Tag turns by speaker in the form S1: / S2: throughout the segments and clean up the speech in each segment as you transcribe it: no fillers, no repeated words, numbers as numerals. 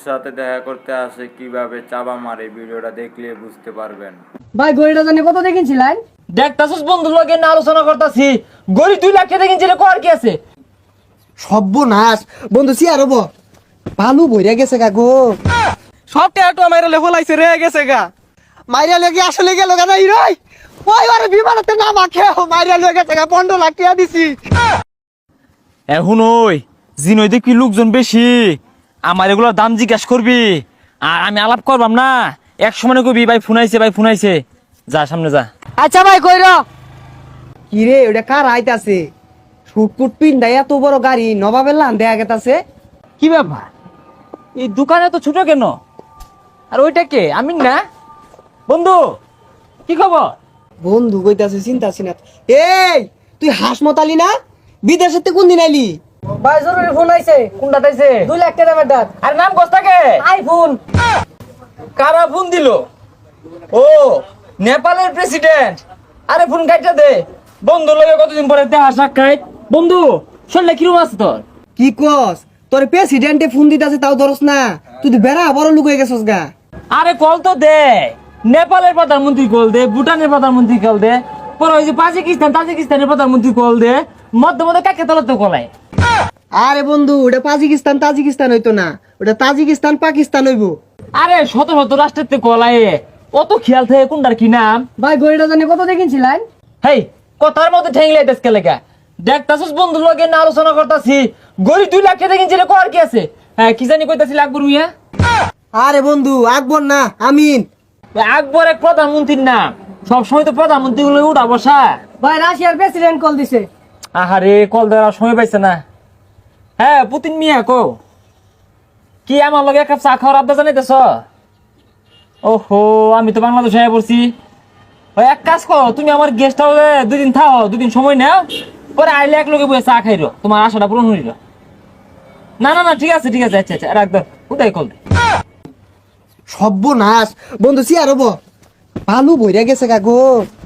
S1: সাথে দেখা করতে আসে কিভাবে চাবা মারে ভিডিওটা দেখলে বুঝতে পারবেন।
S2: ভাই গড়িটা জানি কত দেখিনছিলেন?
S3: দেখতাছস বন্ধুর লগে না আলোচনা করতাছি, গড়ি 2 লাখ টাকা দেখিনছিলে কর কি আছে?
S4: সর্বনাশ বন্ধু সিয়ার হবো ভালো বইরা গেছে গা গো।
S5: সব টাকা মাইরা লে ফলাইছে রে গেছে গা।
S4: মাইরা লেগে আসলে গেল গা নাই রই ওই আরে বিমানতে না মাখে মাইরা লেগে গেছে গা 15 লাখ টাকা দিছি।
S3: এখন ওই জিনই দেখবি লোকজন বেশি, আমার এগুলোর দাম জিজ্ঞাসা করবি আর আমি আলাপ করবাম না। এক সময় কবি ভাই ফোনাইছে যা সামনে যা।
S2: আচ্ছা ভাই কইর
S4: কি রে ওটা কার আইতাছে শুটপুট পিন্ডাই এত বড় গাড়ি নবাবের লান দেয়া গেতাছে।
S3: কি ব্যাপার, এই দোকানে তো ছোট কেন? আর ওইটা কে? আমি না বন্ধু, কি খবর?
S4: বন্ধু কইতাছে চিন্তা সিনা। এই তুই হাসমতালি না বিদেশেতে কোন দিন আইলি?
S2: ভাই জরুরি ফোন আইছে।
S3: কোনটা তাইছে?
S2: 2 লাখ টাকা ম্যাটার।
S3: আরে নাম কস্তাকে?
S2: আইফোন।
S3: কারা ফোন দিল? ও নেপালের প্রেসিডেন্ট। আরে ফোন কাটটা দে। বন্ধু লগে কতদিন পরে দেখা সাক্ষাৎ। বন্ধু শরীরে কিরকম আছে তোর?
S4: কি কস তোর প্রেসিডেন্টে ফোন দিতাছে তাও ধরস না? তুই তো বেড়া বড় লুক হয়ে গেছস গা।
S3: আরে কল তো দে। নেপালের প্রধানমন্ত্রী কল দে, ভুটানের প্রধানমন্ত্রী কল দে, পরে ওই যে তাজিকিস্তানের প্রধানমন্ত্রী কল দে, মধ্যে মধ্যে কাকে তলাতে কলায়।
S4: আরে বন্ধু ওটা তাজিকিস্তান হইতো না, ওটা তাজিকিস্তান পাকিস্তান হইব।
S3: আরে শত শত রাষ্ট্রের কলায় অত খেয়াল থাকে কোনটার কি নাম।
S2: ভাই গড়িটা জানি কত দেখিনছিলেন?
S3: হেই কথার মধ্যে ঠেংলে দেশকে লেখা দেখতাছস বন্ধুর লগে না আলোচনা করতাছি, গড়ি 2 লাখ টাকা কিনছিলে কর কি আছে? হ্যাঁ কি জানি কইতাছিল আকবর মিয়া।
S4: আরে বন্ধু আকবর না আমিন।
S3: আকবর এক প্রধানমন্ত্রীর নাম, সবসময় তো প্রধানমন্ত্রী গুলো উঠা বসা।
S2: ভাই রাশিয়ার প্রেসিডেন্ট কল দিছে।
S3: আহারে কল দেওয়ার সময় পাইছে না। হ্যাঁ পুতিন মিয়া কো কি আমার লগে এক কাপ চা খাওয়ার আবদা জানাইতেছ? ওহো আমি তো বাংলাদেশে আয়া পড়ছি। ওই এক কাজ করো, তুমি আমার গেস্ট হাউসে 2 দিন থাও, 2 দিন সময় নাও, পরে আইলে এক লগে বসে চা খাইরো, তোমার আশাটা পূরণ হইল। না ঠিক আছে আচ্ছা রাখ দাও, উদয় কল দে।
S4: সর্বনাশ বন্ধু সিয়ার হবো ভালো বইরা গেছে গা গো।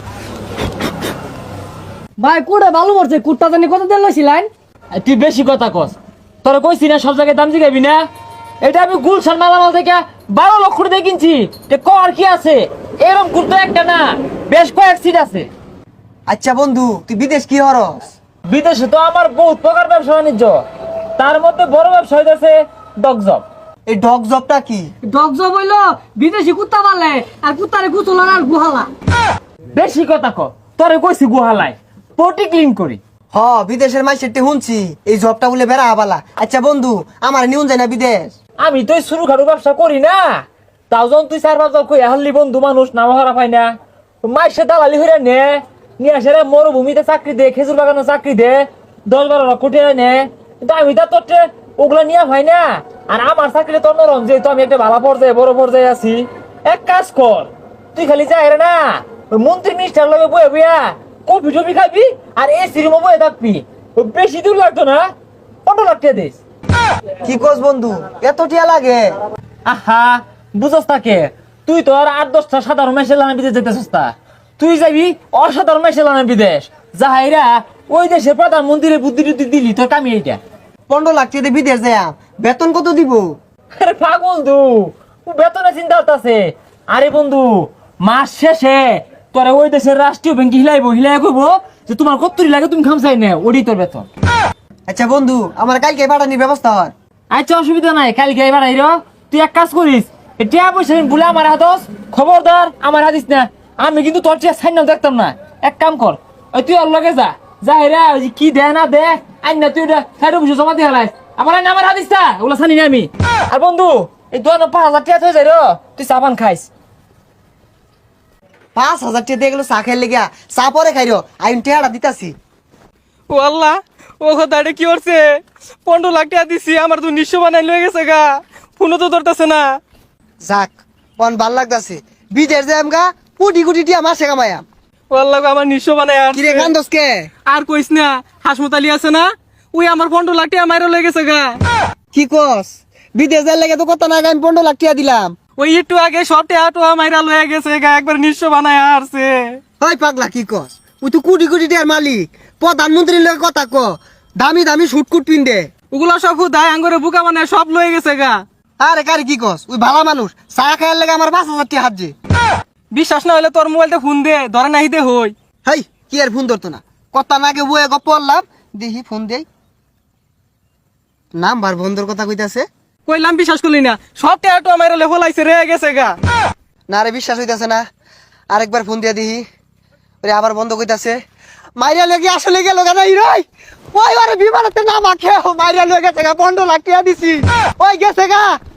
S2: ভাই কুড়ে ভালো পড়ছে। কুটটা জানি কত দেন লইছিলেন?
S3: তুই বেশি কথা কস, তোরা কইছি না সব জায়গায় দাম জিগাবি না। এটা আমি গুলশান মালামাল থেকে 12 লক্ষ দিয়ে কিনছি। কর কি আছে? এরকম কুর্তো একটা না, বেশ কয়েক সিট আছে।
S4: আচ্ছা বন্ধু তুই বিদেশ কি হরস?
S3: বিদেশে তো আমার বহুত প্রকার ব্যবসা বাণিজ্য, তার মধ্যে বড় ব্যবসা হইতেছে ডগজব।
S4: এই ডগ জবটা কি?
S2: ডগ জব হইলো বিদেশি কুত্তা পালে আর কুত্তারে গুছলার আর গুহালা।
S3: বেশি কথা ক, তোরে কইছি গুহালায় পটি ক্লিন করি।
S4: হ বিদেশের মাইসেরটি শুনছি এই জবটা বলে বেড়া আবালা। আচ্ছা বন্ধু আমার নিউন যায় না বিদেশ?
S3: আমি তো শুরু খাটু ব্যবসা করি না, তাও যখন তুই 4-5 জন কই হাল্লি বন্ধু মানুষ নাম হারা পাই না, মাইসে দালালি হইরা নে নিয়ে আসে মরুভূমিতে চাকরি দে, খেজুর বাগানে চাকরি দে, 10-12 লাখ কোটি নে। কিন্তু আমি তো তোর ওগুলা নিয়ে ভাই না। আর আমার চাকরি তোর নরম, যেহেতু আমি একটা ভালো পর্যায়ে বড় পর্যায়ে আছি। এক কাজ কর, তুই খালি যাই না ওই মন্ত্রী মিনিস্টার লগে বয়ে বইয়া কফি টফি খাবি আর এসি রুমে বয়ে থাকবি। বেশি দূর লাগতো না, 15 লাখ টাকা দিস।
S4: কি কস বন্ধু এত টিয়া লাগে?
S3: আহা বুঝস তাকে, তুই তো আর 8-10টা সাধারণ মেশে লানা বিদেশ যেতেছিস তা, তুই যাবি অসাধারণ মেশে লানা বিদেশ। যাহাইরা ওই দেশের প্রধানমন্ত্রীর বুদ্ধি টুদ্ধি দিলি তোর কামি এইটা।
S4: 15 লাখ টাকা দিয়ে বিদেশ যায় বেতন কত দিব?
S3: আরে পাগল তু, বেতনে চিন্তা করতেছে। আরে বন্ধু মাস শেষে তোরা ওই দেশের রাষ্ট্রীয় ব্যাংকে হিলাই কইব যে তোমার কত্তরি লাগে তুমি খামসাই নে, ওডি তোর বেতন।
S4: আচ্ছা বন্ধু আমার কালকে পাঠানির ব্যবস্থা হর।
S3: আচ্ছা অসুবিধা নাই, কালকে এবার আইরো। তুই এক কাজ করিস, এটা পয়সা বলে আমার হাতস, খবরদার আমার হাতিস না। আমি কিন্তু তোর চেয়ে সাইন দেখতাম না। এক কাম কর, ওই তুই ওর লগে যা হেরা ওই যে কি দে না দে আইন না, তুই ওটা সাইডে বসে জমা দিয়ে হারাইস। আমার হাতিস না, ওগুলো জানি না আমি। আর বন্ধু এই 5,000 টাকা হয়ে যায় তুই সাবান খাইস।
S4: 5,000 টাকা দিয়ে গেলো চা খাই লেগা, চা পরে খাইরো আইন টেহারা দিতাছি।
S5: ও আল্লাহ ও কথাটা কি করছে? 15 লাখ টাকা দিছি, আমার তো নিঃস্ব বানাই লয়ে গেছে গা। ফোনও তো ধরতেছে না।
S4: যাক পন ভাল লাগতাছে বিদেশ যাম গা কোটি কোটি টিয়া মাসে কামায়াম।
S5: ও আল্লাহ গো, আমার নিঃস্ব বানাই আর
S4: কিরে কান্দস কে?
S5: আর কইস না, হাসমতালি আছে না, ওই আমার 15 লাখ টাকা মাইরা লয়ে গেছে গা।
S4: কি কস? বিদেশ যাই লাগে তো কত না আমি 15 লাখ টাকা দিলাম।
S5: ওই একটু আগে সব টাকা মাইরা লয়ে গেছে গা, একবার নিঃস্ব বানাই আসছে।
S4: ওই পাগলা কি কস? ওই তো কোটি কোটি টিয়ার মালিক, প্রধানমন্ত্রীর লগে কথা ক, দামি দামি শুটকুট পিন্দে।
S5: ওগুলা সব হুদায় আঙ্গুরে বুকা বানায় সব লয়ে গেছে গা।
S4: আরে কারে কি কস ওই ভালো মানুষ চা খাইয়ার লেগে আমার 5,000 টাকা হাত যে।
S5: বিশ্বাস না হলে তোর মোবাইলতে ফোন দে, ধরে নাহি দে হই।
S4: হাই কি আর ফোন ধরতো না, কথা নাগে বয়ে গপ পড়লাম, দেখি ফোন দেই, নাম্বার বন্ধর কথা কইতাছে।
S5: কইলাম বিশ্বাস করলি না, সব টাকা আমার হলাইছে রে গেছে গা।
S4: না রে বিশ্বাস হইতাছে না, আরেকবার ফোন দিয়া দেখি, ওরে আবার বন্ধ কইতাছে। মাইরা লেগে আসলে গেল কেন হিরোই? ওই আরে বিমানেতে নাম আখে মাইরা লেগে গেছে গা, 15 লাখ টাকা দিছি, ওই গেছে গা।